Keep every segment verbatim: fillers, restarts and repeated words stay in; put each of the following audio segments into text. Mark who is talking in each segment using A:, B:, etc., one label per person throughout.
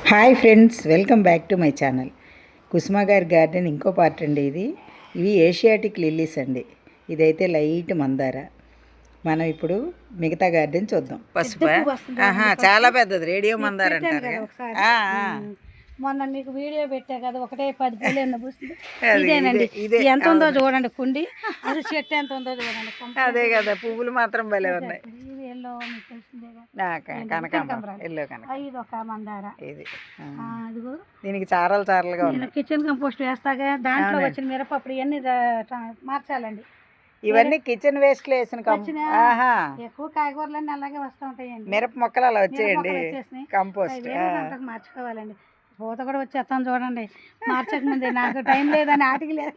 A: Hi friends, welcome back to my channel. Kusuma గారి garden ఇంకో part అండి. ఇది ఇవి ఏషియాటిక్ లిల్లీస్ అండి. ఇదైతే లైట్ మందార. మనం ఇప్పుడు మిగతా గార్డెన్ చూద్దాం. పసుపు చాలా పెద్దది, రేడియో మందార అంటారు.
B: మొన్న మీకు వీడియో పెట్టా కదా, ఒకటే పది పూలు ఎన్న పూస్తుంది. ఇదేనండి, ఎంత ఉందో చూడండి కుండి. అది చెట్టు ఎంత ఉందో చూడండి.
A: అదే కదా, పువ్వులు మాత్రం భలే ఉన్నాయి.
B: ఇది ఎల్లో మీకు తెలిసిందే
A: కనకాంబరం, ఎల్లో కనక.
B: ఇది ఒక మందార.
A: ఇది
B: అదిగో
A: దీనికి చారలు చారలుగా ఉన్నాయి.
B: కిచెన్ కంపోస్ట్ వేస్తాగా, దాంట్లో వచ్చిన మిరపప్పుడు ఇవన్నీ మార్చాలండి.
A: ఇవన్నీ కిచెన్ వేస్ట్ లో వేసిన
B: ఎక్కువ కాయగూరలన్నీ అలాగే వస్తూ ఉంటాయండి.
A: మిరప మొక్కలు అలా వచ్చేయండి కంపోస్ట్.
B: మార్చుకోవాలండి. పూత కూడా వచ్చేస్తాను చూడండి. మార్చక ముందే నాకు టైం లేదని ఆటికి లేదు.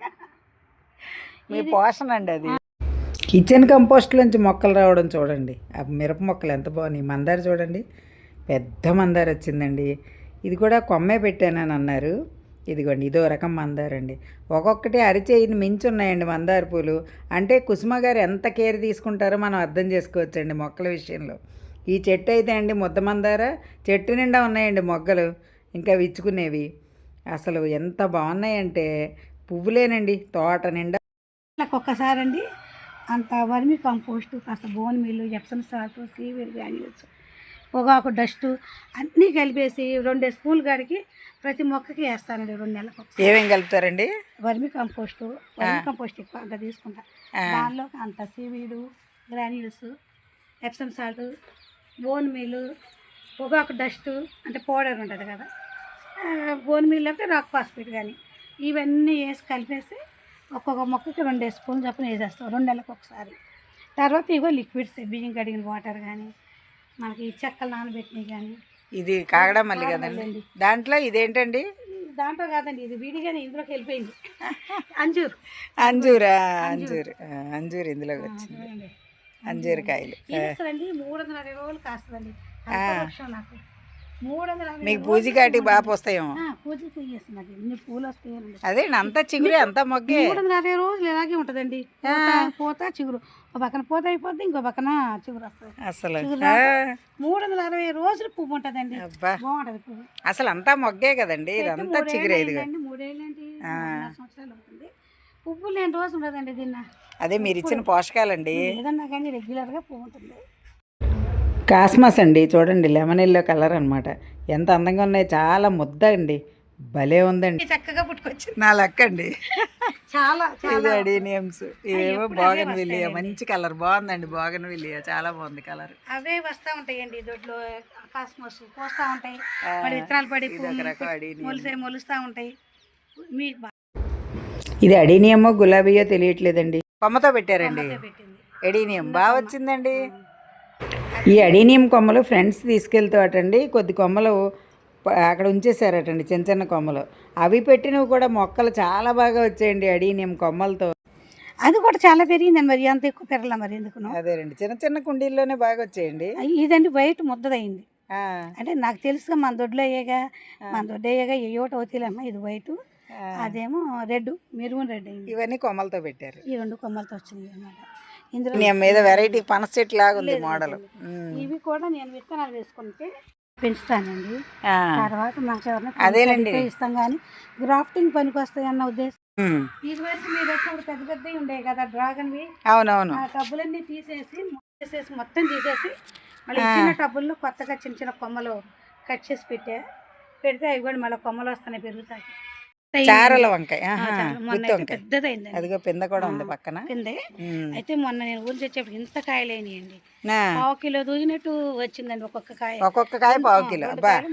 A: మీ పోషణ అండి అది. కిచెన్ కంపోస్ట్ నుంచి మొక్కలు రావడం చూడండి. ఆ మిరప మొక్కలు ఎంత బాగున్నాయి. మందార చూడండి, పెద్ద మందార వచ్చిందండి. ఇది కూడా కొమ్మే పెట్టానని అన్నారు. ఇదిగోండి, ఇదో రకం మందార అండి. ఒక్కొక్కటి అరిచేయిని మించి ఉన్నాయండి మందార పూలు. అంటే కుసుమ గారు ఎంత కేర్ తీసుకుంటారో మనం అర్థం చేసుకోవచ్చండి మొక్కల విషయంలో. ఈ చెట్టు అయితే అండి ముద్ద మందార, చెట్టు నిండా ఉన్నాయండి మొగ్గలు, ఇంకా విచ్చుకునేవి. అసలు ఎంత బాగున్నాయంటే పువ్వులేనండి తోట నిండా.
B: నాకు ఒక్కసారి అండి అంత వర్మి కంపోస్టు, కాస్త bone meal, Epsom salt, seaweed granules, పొగాకు డస్టు అన్నీ కలిపేసి రెండు స్పూన్లు కాడికి ప్రతి మొక్కకి వేస్తానండి. రెండు నెలలకు
A: ఏమేమి కలుపుతారండి?
B: వర్మి కంపోస్టు, వర్మి కంపోస్ట్ ఎక్కువ అంత తీసుకుంటా. దానిలో అంత seaweed granules, Epsom salt, bone meal, పొగాకు డస్టు అంటే పౌడర్ ఉంటుంది కదా, బోన్ మిల్ అంటే రాక్ ఫాస్ఫేట్ కానీ, ఇవన్నీ వేసి కలిపేసి ఒక్కొక్క మొక్కకి రెండు స్పూన్లు చొప్పున వేసేస్తాం రెండు నెలలకు ఒకసారి. తర్వాత ఇగో లిక్విడ్స్, బియ్యం కడిగిన వాటర్ కానీ, మనకి చెక్కలు నానబెట్టినవి కానీ.
A: ఇది కాగడా మల్లి కదండి. దాంట్లో ఇదేంటండి?
B: దాంట్లో కాదండి, ఇది విడిగానే ఇందులోకి వెళ్ళిపోయింది. అంజూరు
A: అంజూరా అంజూరు అంజూరు ఇందులోకి వచ్చింది. అంజూరు కాయలు
B: అండి మూడు వందల అరవై రోజులు కాస్తుందండి. నాకు మూడు వందల
A: మీకు పూజ కాటి బాగా వస్తాయేమో.
B: పూజకి చేస్తున్నది ఇన్ని పూలు వస్తాయండి.
A: అదే అంత చిగురు అంత మొగ్గే.
B: మూడు వందల అరవై రోజులు ఇలాగే ఉంటుందండి. పూత చిగురు, ఒక పక్కన పూత అయిపోద్ది, ఇంకో పక్కన చిగురు వస్తుంది.
A: అసలు
B: మూడు వందల అరవై రోజులు పువ్వు ఉంటుందండి. బాగుంటది పువ్వు.
A: అసలు అంతా మొగ్గే కదండి, ఇదంతా చిగురే.
B: మూడేళ్ళండి, సంవత్సరాలు అవుతుంది. పువ్వు లేని రోజు ఉండదండి దీన్ని.
A: అదే మీరు ఇచ్చిన పోషకాలండి.
B: ఏదన్నా కానీ రెగ్యులర్గా పువ్వు ఉంటుంది.
A: కాస్మస్ అండి, చూడండి లెమన్ ఎల్లో కలర్ అనమాట. ఎంత అందంగా ఉన్నాయి, చాలా ముద్ద అండి, భలే ఉందండి.
B: చక్కగా పుట్టుకొచ్చి
A: నా లెక్క అండి.
B: చాలా
A: అడీనియమ్స్, ఇవేమో బోగన్ విలియా, మంచి కలర్ బాగుందండి. బోగన్ విలియా చాలా బాగుంది కలర్.
B: అవే వస్తూ ఉంటాయండి దొడ్లో. కాస్మస్ పోస్తూ ఉంటాయి, మరి విత్తనాలు పడి మొలిసే మొలుస్తూ ఉంటాయి. మీకు
A: ఇది అడీనియమో గులాబీయో తెలియట్లేదండి. కొమ్మతో పెట్టారండి. అడీనియం బాగా వచ్చిందండి. ఈ అడీనియం కొమ్మలు ఫ్రెండ్స్ తీసుకెళ్తాటండి. కొద్ది కొమ్మలు అక్కడ ఉంచేసారటండి, చిన్న చిన్న కొమ్మలు. అవి పెట్టినవి కూడా మొక్కలు చాలా బాగా వచ్చాయండి అడీనియం కొమ్మలతో.
B: అది కూడా చాలా పెరిగిందండి. మరి అంత ఎక్కువ పెరగల మరి ఎందుకు?
A: అదేనండి, చిన్న చిన్న కుండీల్లోనే బాగా వచ్చాయండి.
B: ఇదండి వైట్ ముద్దదయింది. అంటే నాకు తెలుసుగా మన దొడ్లో అయ్యేగా, మన దొడ్డు అయ్యేగా ఏయోటి అవుతాయిలమ్మా. ఇది వైట్, అదేమో రెడ్, మెరూన్ రెడ్ అయింది.
A: ఇవన్నీ కొమ్మలతో పెట్టారు.
B: ఈ రెండు కొమ్మలతో వచ్చింది అనమాట.
A: ఇందులో మీద వెరైటీ పనస చెట్టు లాగా ఉంది మోడల్.
B: ఇవి కూడా నేను విత్తనాలు వేసుకుంటే పెంచుతానండి. తర్వాత మాకు ఎవరైనా
A: అదేనండి
B: ఇస్తాం కానీ గ్రాఫ్టింగ్ పనికి వస్తాయి అన్న ఉద్దేశం. ఇది వరకు మీరు వచ్చినప్పుడు పెద్ద పెద్దవి ఉండేవి కదా డ్రాగన్వి.
A: అవునవును.
B: ఆ టబ్బులన్నీ తీసేసి తీసేసి మొత్తం తీసేసి మళ్ళీ చిన్న టబ్బుల్లో కొత్తగా చిన్న చిన్న కొమ్మలు కట్ చేసి పెట్టా. పెడితే అవి కూడా మళ్ళీ కొమ్మలు వస్తున్నాయి, పెరుగుతాయి.
A: చారల వంకాయ
B: పెద్దదైంది,
A: అదిగో పింద కూడా ఉంది పక్కన.
B: పిందే అయితే మొన్న నేను ఊరి తెచ్చేప్పుడు ఇంత కాయలు అయినాయండి. పావు కిలో దూగినట్టు వచ్చిందండి ఒక్కొక్క కాయ.
A: ఒక్కొక్క కాయ పావు కిలో.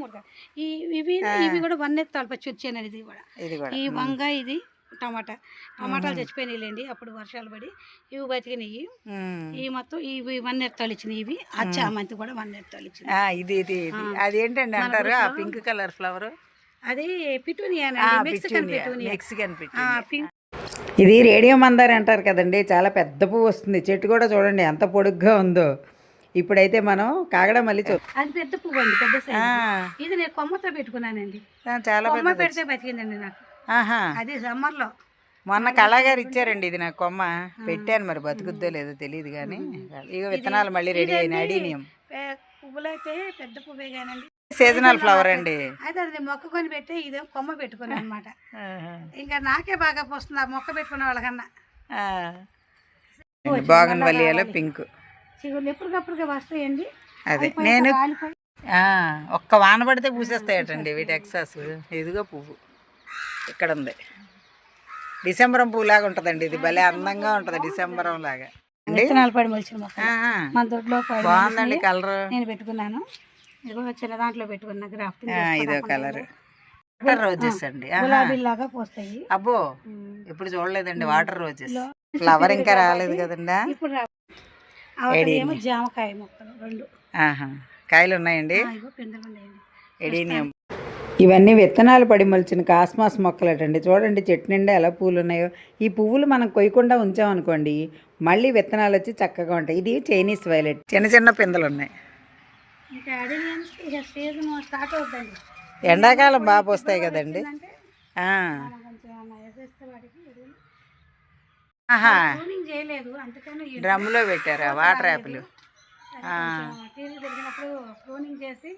B: ఇవి ఇవి కూడా వన్ ఎత్తు తలపచ్చి వచ్చానండి. ఇది కూడా ఈ వంగ, ఇది టమాటా. టమాటాలు చచ్చిపోయినాయిలేండి అప్పుడు వర్షాలు పడి. ఇవి బతికినాయి. ఈ మొత్తం ఇవి వన్ ఎత్తాలు ఇచ్చినాయి. ఇవి ఆ చామంతి కూడా వన్ ఎత్తాలు ఇచ్చినాయి.
A: ఇది ఇది అదేంటండి అంటారు ఆ పింక్ కలర్ ఫ్లవర్?
B: అది పిటూనియా, మెక్సికన్ పింక్.
A: ఇది రేడియో మందార అంటారు కదండి. చాలా పెద్ద పువ్వు వస్తుంది. చెట్టు కూడా చూడండి ఎంత పొడుగ్గా ఉందో. ఇప్పుడైతే మనం కాగడా మళ్ళీ చూద్దాం.
B: అది పెద్ద పువ్వు అండి, పెద్ద సైజు. ఇది నేను కొమ్మతో పెట్టుకున్నానండి. చాలా కొమ్మ పెడితే బతికిందండి నాకు. అది సమ్మర్ లో
A: మొన్న కళాగారు ఇచ్చారండి. ఇది నాకు కొమ్మ పెట్టాను, మరి బతుకుద్దో లేదో తెలియదు కానీ. ఇక విత్తనాలు మళ్ళీ రెడీ అయినాయి. అడీనియం
B: పువ్వులైతే పెద్ద పువ్వే కానండి.
A: సీజనల్ ఫ్లవర్ అండి.
B: అయితే అది నేను మొక్క కొని పెట్టి ఇదే కొమ్మ పెట్టుకుని అనమాట. ఇంకా నాకే బాగా పోస్తుంది ఆ మొక్క పెట్టుకునే వాళ్ళకన్నా.
A: బాగన్ వలియాలో పింక్
B: చిగుళ్ళు ఎప్పటికప్పుడుగా వస్తాయండి.
A: అదే నేను ఒక్క వాన పడితే పూసేస్తాయటండి వీటి ఎక్సాస్. ఇదిగో పువ్వు ఇక్కడ ఉంది. డిసెంబరం పువ్వు లాగా ఉంటుందండి ఇది. భలే అందంగా ఉంటుంది డిసెంబరం లాగా.
B: విత్తనాలు పడి మొలిచిన మొక్క మన దొడ్లో
A: బాగుందండి కలర్.
B: నేను పెట్టుకున్నాను. ఇదిగో చిన్న దాంట్లో పెట్టుకున్నా గ్రాఫ్టింగ్.
A: ఇదో కలర్ వాటర్ రోజెస్ అండి.
B: గులాబీలాగా పోస్తాయి.
A: అబ్బో ఇప్పుడు చూడలేదండి వాటర్ రోజెస్. ఫ్లవర్ ఇంకా రాలేదు కదండి.
B: ఇప్పుడు ఏమో జామకాయ మొక్కలు రెండు
A: కాయలు ఉన్నాయండి.
B: పిందెలు
A: ఎడీనియం. ఇవన్నీ విత్తనాలు పడి మొలిచిన కాస్మాస్ మొక్కలటండి. చూడండి చెట్టు నిండా ఎలా పూలు ఉన్నాయో. ఈ పువ్వులు మనం కొయ్యకుండా ఉంచామనుకోండి మళ్ళీ విత్తనాలు వచ్చి చక్కగా ఉంటాయి. ఇది చైనీస్ వైలెట్. చిన్న చిన్న పిందెలు ఉన్నాయి.
B: ఇంకా అడేనియమ్స్ ఇక సీజన్ స్టార్ట్ అవుతుందండి.
A: ఎండాకాలం బాగా పోస్తాయి కదండి.
B: చేయలేదు అందుకని
A: డ్రమ్లో పెట్టారా వాటర్ యాపిల్.
B: టీవీ పెట్టినప్పుడు క్లోనింగ్ చేసి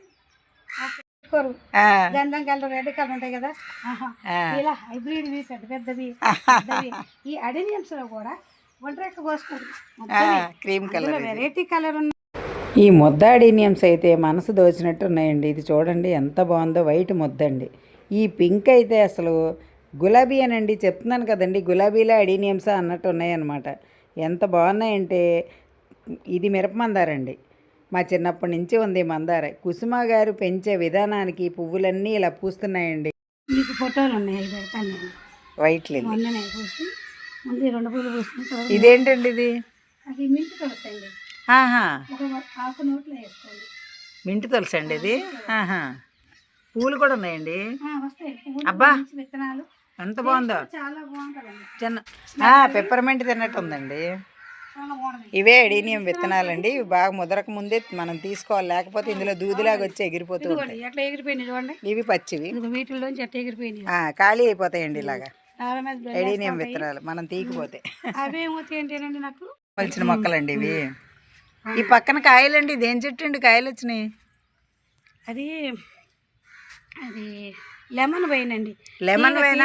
B: గంధం కలర్ రెడ్ కలర్ ఉంటాయి కదా ఇలా హైబ్రిడ్ పెద్ద పెద్దవి. ఈ అడేనియమ్స్ లో కూడా ఒంటరెక్క పోసుకోరు
A: క్రీమ్ కలర్
B: వెరైటీ కలర్ ఉన్నాయి.
A: ఈ ముద్ద అడీనియమ్స్ అయితే మనసు దోచినట్టు ఉన్నాయండి. ఇది చూడండి ఎంత బాగుందో. వైట్ ముద్ద అండి. ఈ పింక్ అయితే అసలు గులాబీ అనండి. చెప్తున్నాను కదండి గులాబీలో అడీనియమ్సా అన్నట్టు ఉన్నాయన్నమాట. ఎంత బాగున్నాయంటే ఇది మిరప మందారండి. మా చిన్నప్పటి నుంచి ఉంది మందార. కుసుమ గారు పెంచే విధానానికి పువ్వులన్నీ ఇలా పూస్తున్నాయండి.
B: మీకు ఫోటోలు ఉన్నాయి పెడతాను నేను.
A: వైట్ లిల్లీ
B: మొన్ననే పూసి ముందు రెండు పూలు పూసుకుంటారు.
A: ఇదేంటండి ఇది?
B: అది మింట్ తులసండి. ఒక ఆకు నోట్లో వేసుకోండి.
A: మింట్ తులసి అండి ఇది. పూలు కూడా ఉన్నాయండి.
B: వస్తాయి
A: అబ్బా
B: విత్తనాలు.
A: ఎంత బాగుందో.
B: చాలా బాగుంటుందండి.
A: చిన్న పెప్పర్మెంట్ తిన్నట్టు ఉందండి. ఇవే ఎడీనియం విత్తనాలండి. ఇవి బాగా ముదరక ముందే మనం తీసుకోవాలి, లేకపోతే ఇందులో దూదిలాగా వచ్చి ఎగిరిపోతూ ఉంటాయి.
B: ఎట్లా ఎగిరిపోయినాయి చూడండి.
A: ఇవి పచ్చివి
B: వీటిలోంచి ఎట్లా ఎగిరిపోయినాయి.
A: ఖాళీ అయిపోతాయండి ఇలాగా ఎడీనియం విత్తనాలు మనం తీయకపోతే.
B: అవేమవుతాయి ఏంటండి నాకు
A: మలిచిన మొక్కలండి ఇవి. ఈ పక్కన కాయలండి. ఇదేం చెట్టు అండి కాయలు వచ్చినాయి?
B: అది అది లెమన్ వైన్ అండి.
A: లెమన్ వైనా?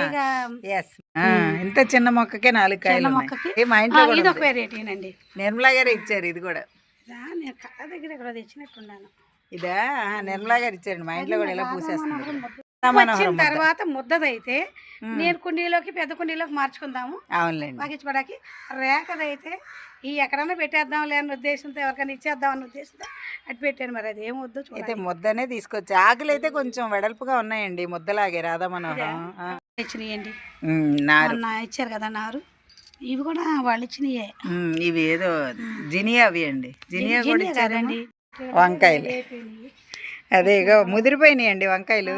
A: ఇంత చిన్న మొక్కకే నాలుగు కాయలు. మా ఇంట్లో
B: ఇది ఒక వెరైటీనండి.
A: నిర్మలా గారు ఇచ్చారు ఇది కూడా.
B: నేను కళ్ళ దగ్గర ఎక్కడ తెచ్చినట్టున్నాను.
A: ఇదా నిర్మలా గారు ఇచ్చారండి. మా ఇంట్లో కూడా ఇలా పూసేస్తున్నారు.
B: తర్వాత ముద్దదైతే నేను కుండీలోకి పెద్ద కుండీలోకి మార్చుకుందాము.
A: అవునులేండి.
B: పగిచ్చిపడానికి రేఖదైతే ఈ ఎక్కడన్నా పెట్టేద్దాం లేని ఉద్దేశంతో ఎవరికైనా ఇచ్చేద్దాం అన్న ఉద్దేశంతో అటు పెట్టాను. మరి అది ఏం వద్దు
A: అయితే ముద్దనే తీసుకొచ్చి. ఆకులు అయితే కొంచెం వెడల్పుగా ఉన్నాయండి ముద్దలాగే. రాధా మనోహరం
B: ఇచ్చినాయండి.
A: నారు
B: ఇచ్చారు కదా నారు. ఇవి కూడా వాళ్ళు ఇచ్చినాయే.
A: ఇవి ఏదో జినియా అవి అండి. జినియా కూడా ఇచ్చారండి. వంకాయలు అదే ఇగో ముదిరిపోయినాయి అండి వంకాయలు.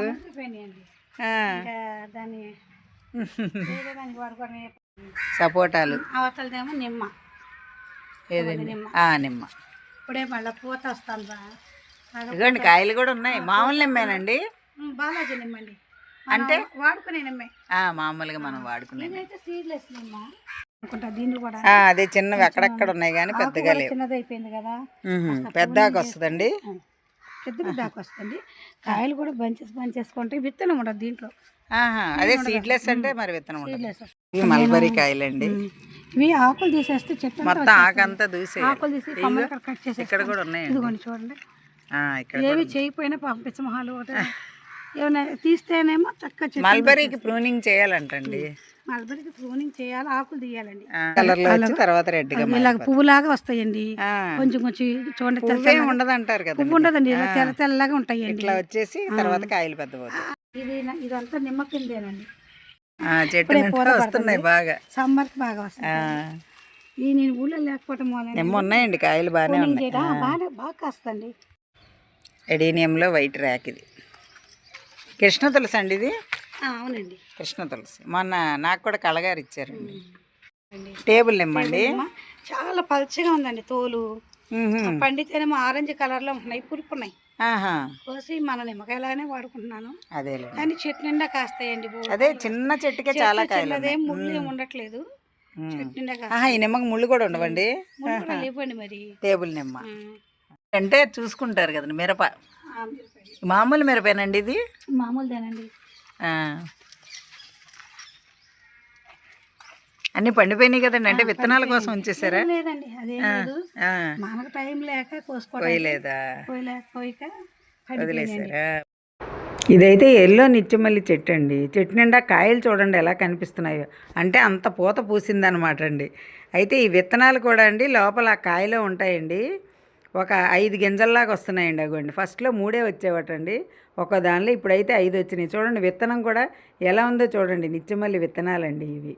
A: సపోటాలు.
B: అవతలదేమో నిమ్మ.
A: ఏదండి? నిమ్మ.
B: ఇప్పుడే మళ్ళీ పూత వస్తాను.
A: ఇదిగోండి కాయలు కూడా ఉన్నాయి. మామూలు నిమ్మేనండి.
B: బాలాజీ నిమ్మండి.
A: అంటే
B: వాడుకునే నిమ్మే.
A: మామూలుగా మనం వాడుకునే.
B: సీడ్లెస్ నిమ్మ అనుకుంటా. దీన్ని కూడా
A: అదే చిన్నవి అక్కడక్కడ ఉన్నాయి కానీ పెద్దగా లేవు.
B: చిన్నది అయిపోయింది కదా.
A: పెద్దాకు వస్తుందండి.
B: పెద్ద పెద్దాకు వస్తుంది. కాయలు కూడా బంచెస్ బంచేసుకుంటాయి. విత్తనం ఉండదు దీంట్లో.
A: అదే సీడ్లెస్ అంటే మరి విత్తనం ఉండదు. ఇవి మల్బరీ కాయలండి.
B: ఇవి ఆకులు తీసేస్తే చెట్టు
A: మొత్తం ఆకంతా దూసే.
B: ఆకులు తీసి కొమ్మలు కట్ చేసి
A: ఇక్కడ కూడా ఉన్నాయి.
B: ఇదిగోండి చూడండి. ఏవి చేయకపోయినా పంపించమహాలు ఒకటి ఏమైనా తీస్తేనేమో చక్కగా.
A: మల్బరీకి ప్రూనింగ్ చేయాలంటండి.
B: మల్బరీకి ప్రూనింగ్ చేయాలి. ఆకులు తీయాలండి.
A: కలర్ లో వచ్చి తర్వాత రెడ్ గా
B: ఇలా పువ్వులాగా వస్తాయండి. కొంచెం కొంచెం చూడండి.
A: పువ్వే ఉండదు అంటారు కదా.
B: పువ్వు ఉండదండి. ఇలా తెల్ల తెల్లగా ఉంటాయండి.
A: ఇట్లా వచ్చేసి తర్వాత కాయలు పెద్ద పోతాయి.
B: ఇది ఇదంతా నిమ్మ కిందేనండి.
A: చెట్టు వస్తున్నాయి బాగా.
B: సమ్మర్ కి బాగా వస్తాయి. ఈ నేను ఊళ్ళో లేకపోవటం
A: నిమ్మ ఉన్నాయండి. కాయలు బాగానే ఉన్నాయి.
B: బాగా బాగా కాస్తండి.
A: ఎడీనియంలో వైట్ ర్యాక్. ఇది కృష్ణ తులసి అండి. ఇది
B: అవునండి
A: కృష్ణ తులసి. మొన్న నాకు కూడా కళగారు ఇచ్చారండి. టేబుల్ నిమ్మండి.
B: చాలా పల్చగా ఉందండి తోలు. పండితేనేమో ఆరెంజ్ కలర్ లో ఉన్నాయి. పురుపున్నాయి. కోసి మన నిమ్మకాయలానే వాడుకుంటున్నాను.
A: అదే
B: కానీ చెట్టు నిండా కాస్తాయండి.
A: అదే చిన్న చెట్టుకే చాలా కాయలు.
B: అదేం ముళ్ళు ఏమి ఉండట్లేదు. చెట్టు నిండా
A: ఈ నిమ్మకి ముళ్ళు కూడా ఉండవండి.
B: లేవండి మరి.
A: టేబుల్ నిమ్మ అంటే చూసుకుంటారు కదండి. మిరప
B: ఆ, మిరపకాయ.
A: మామూలు మిరపేనండి ఇది?
B: మామూలుదేనండి.
A: ఆ. అన్నీ పండిపోయినాయి కదండి, అంటే విత్తనాల కోసం ఉంచేసారా?
B: ఏం లేదండి, అదేం లేదు.
A: ఆ.
B: మనకు టైం లేక కోసుకోవడం
A: పోయలేదా?
B: పోయలేక పోయిక
A: వదిలేసారా? ఇదైతే ఎల్లో నిత్యమల్లి చెట్టు అండి. చెట్టు నిండా కాయలు చూడండి ఎలా కనిపిస్తున్నాయో, అంటే అంత పూత పూసిందనమాట అండి. అయితే ఈ విత్తనాలు కూడా అండి లోపల ఆ కాయలో ఉంటాయండి. ఒక ఐదు గింజల్లాగా వస్తున్నాయండి. అగోండి ఫస్ట్లో మూడే వచ్చేవటండి ఒక దానిలో, ఇప్పుడైతే ఐదు వచ్చినాయి. చూడండి విత్తనం కూడా ఎలా ఉందో చూడండి. నిత్యమల్లి విత్తనాలండి ఇవి.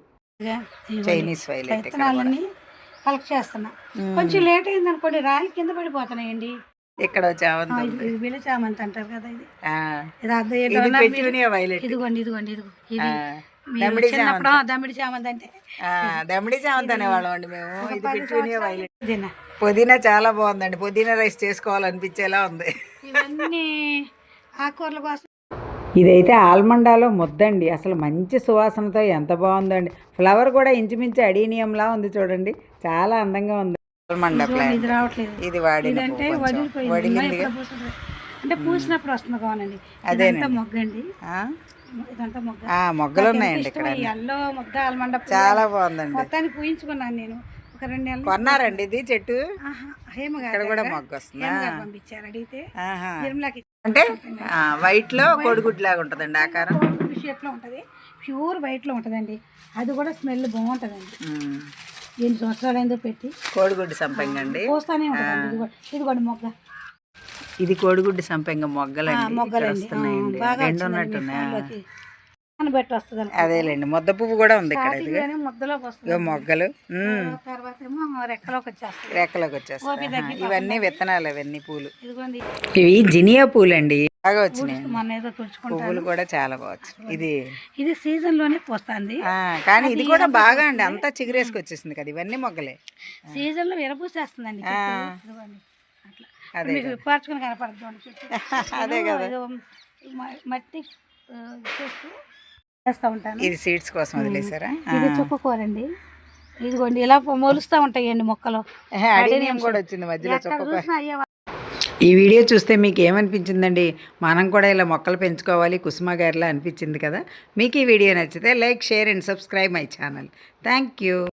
A: చైనీస్ వైలెట్
B: విత్తనాలన్నీ కలెక్ట్ చేస్తున్నా. కొంచెం లేట్ అయింది అనుకోండి, రాయి కింద పడిపోతున్నాయండి.
A: ఇక్కడ చామంతి,
B: ఇది బిళ్ళ చామంతి అంటారు కదా, ఇది
A: ఆ,
B: ఇది అర్థం
A: ఇది
B: ఏంటో
A: పెట్టునియా వైలెట్.
B: ఇదిగోండి ఇదిగోండి ఇదిగో ఇది
A: ఆ,
B: మీరు
A: దమిడి
B: చిన్నప్పుడు
A: చామంతి.
B: దమిడి చామంతి అంటే
A: ఆ, దమిడి చామంతి అనేవాళ్ళం అండి మేము.
B: ఒక
A: ఇది
B: పది
A: పెట్టునియా
B: సంవత్సరాలు
A: వైలెట్.
B: ఇదేనా.
A: పుదీనా చాలా బాగుందండి. పుదీనా రైస్ చేసుకోవాలనిపించేలా ఉంది.
B: ఇవన్నీ ఆకుకూరల కోసం. ఇదైతే ఆల్మండాలో ముద్దండి, అసలు మంచి సువాసనతో ఎంత బాగుందండి. ఫ్లవర్ కూడా ఇంచుమించు అడీనియంలా ఉంది చూడండి, చాలా అందంగా ఉంది. ఆల్మండా ప్లాంట్ ఇది రావట్లేదు,
A: ఇది వాడిన
B: ఇదంటే వదిలిపోయింది.
A: వడిలింది.
B: ఎప్పుడు పూస్తుంది అంటే పూసినప్పుడు వస్తుంది కావాలండి.
A: అదేనండి.
B: ఇదంతా మొగ్గ అండి,
A: ఆ?
B: ఇదంతా మొగ్గ.
A: ఆ, మొగ్గలు ఉన్నాయండి ఇక్కడ.
B: ఎల్లో మొగ్గ ఆల్మండ
A: చాలా బాగుందండి.
B: మొత్తాన్ని పూయించుకున్నాను నేను ఒక రెండు నెలలు.
A: కొన్నారండి ఇది చెట్టు?
B: హేమ
A: ఇక్కడ
B: గారు
A: కూడా మొగ్గ వస్తుందా?
B: పంపించారు, అడిగితే
A: ఆహా.
B: నిర్మలాకి
A: అంటే వైట్ లో కోడిగుడ్డు లాగా ఉంటుందండి ఆకారం.
B: షేప్ లో ఉంటది, ప్యూర్ వైట్ లో ఉంటదండి. అది కూడా స్మెల్ బాగుంటదండి.
A: ఉమ్.
B: ఎన్ని సంవత్సరాలు అయిందో పెట్టి.
A: కోడిగుడ్డు సంపెంగ అండి.
B: పోస్తానే ఉంటదండి. ఇది కూడా ఇది కూడా మొగ్గ.
A: ఇది కోడిగుడ్డు సంపెంగ మొగ్గలండి. ఇక్కడ
B: మొగ్గలండి
A: వస్తున్నాయండి. రెండు ఉన్నట్టున్నాయి.
B: బెట్టి వస్తుంది.
A: అదేలేండి, ముద్ద పువ్వు కూడా ఉంది ఇక్కడ. ఇది
B: ముద్దలోకి వస్తుంది.
A: ఇగో మొగ్గలు. ఉమ్.
B: తర్వాత ఏమో రెక్కలోకి వచ్చేస్తుంది.
A: రెక్కలోకి వచ్చేస్తాయి. ఇవన్నీ విత్తనాలు, అవన్నీ పూలు.
B: ఇదిగోండి
A: ఇవి జినియా పూలు అండి, బాగా వచ్చినాయి.
B: మన ఏదో తుడుచుకుంటారు.
A: పువ్వులు కూడా చాలా బాగా వచ్చినాయి. ఇది
B: ఇది సీజన్ లోనే పోస్తుంది.
A: ఆ, కానీ ఇది కూడా బాగా అండి, అంతా చిగురేసుకు వచ్చేసింది కదా. ఇవన్నీ మొగ్గలే
B: సీజన్ లో విరపూసేస్తుందండి. అట్లా మీకు విప్పార్చుకుని కనపడుతుంది.
A: అదే కదా,
B: మట్టి చేస్తూ చేస్తూ ఉంటాను.
A: ఇది సీడ్స్ కోసం వదిలేసారా?
B: ఇది చుక్కకూరండి. ఇదిగోండి ఇలా మొలుస్తూ ఉంటాయండి మొక్కలు.
A: అడీనియం కూడా వచ్చింది మధ్యలో చుక్కకూర.
B: అయ్యే
A: ఈ వీడియో చూస్తే మీకు ఏమనిపించిందండి? మనం కూడా ఇలా మొక్కలు పెంచుకోవాలి కుసుమ గారిలా అనిపించింది కదా. మీకు ఈ వీడియో నచ్చితే like, share and subscribe my channel. Thank you.